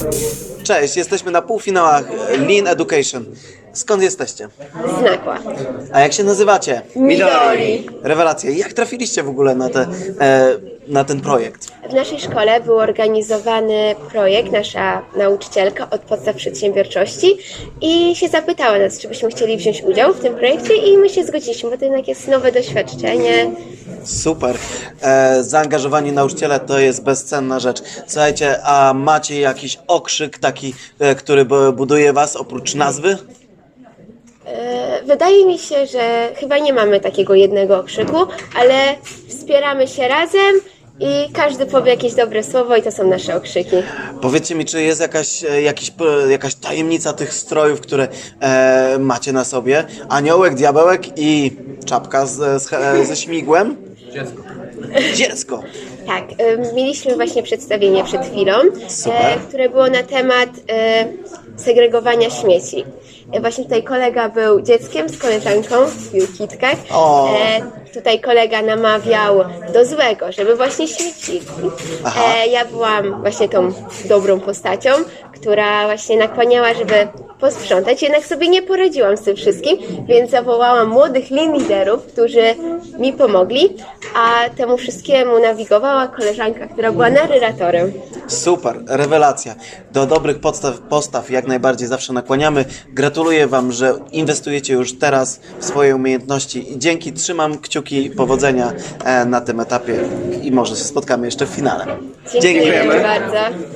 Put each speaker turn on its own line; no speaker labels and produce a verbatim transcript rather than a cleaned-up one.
Cześć, jesteśmy na półfinałach Lean Education. Skąd jesteście?
Znakła.
A jak się nazywacie?
Midori.
Rewelacje. Jak trafiliście w ogóle na, te, e, na ten projekt?
W naszej szkole był organizowany projekt, nasza nauczycielka od podstaw przedsiębiorczości i się zapytała nas, czy byśmy chcieli wziąć udział w tym projekcie i my się zgodziliśmy, bo to jednak jest nowe doświadczenie.
Super. E, zaangażowani nauczyciele to jest bezcenna rzecz. Słuchajcie, a macie jakiś okrzyk taki, e, który bu- buduje was oprócz nazwy?
E, Wydaje mi się, że chyba nie mamy takiego jednego okrzyku, ale wspieramy się razem i każdy powie jakieś dobre słowo i to są nasze okrzyki.
Powiedzcie mi, czy jest jakaś, e, jakiś, p- jakaś tajemnica tych strojów, które e, macie na sobie? Aniołek, diabełek i czapka z, z, e, ze śmigłem? Dziecko. Dziecko.
Tak, y, mieliśmy właśnie przedstawienie przed chwilą,
Super.
e, które było na temat e, segregowania śmieci. E, właśnie tutaj kolega był dzieckiem z koleżanką w kitkach.
O.
E, tutaj kolega namawiał do złego, żeby właśnie śmiecili.
Aha.
E, ja byłam właśnie tą dobrą postacią, która właśnie nakłaniała, żeby posprzątać, jednak sobie nie poradziłam z tym wszystkim, więc zawołałam młodych lean liderów, którzy mi pomogli, a temu wszystkiemu nawigowała koleżanka, która była narratorem.
Super, rewelacja. Do dobrych podstaw, postaw jak najbardziej zawsze nakłaniamy. Gratuluję Wam, że inwestujecie już teraz w swoje umiejętności i dzięki, trzymam kciuki, powodzenia e, na tym etapie i może się spotkamy jeszcze w finale.
Dziękujemy bardzo.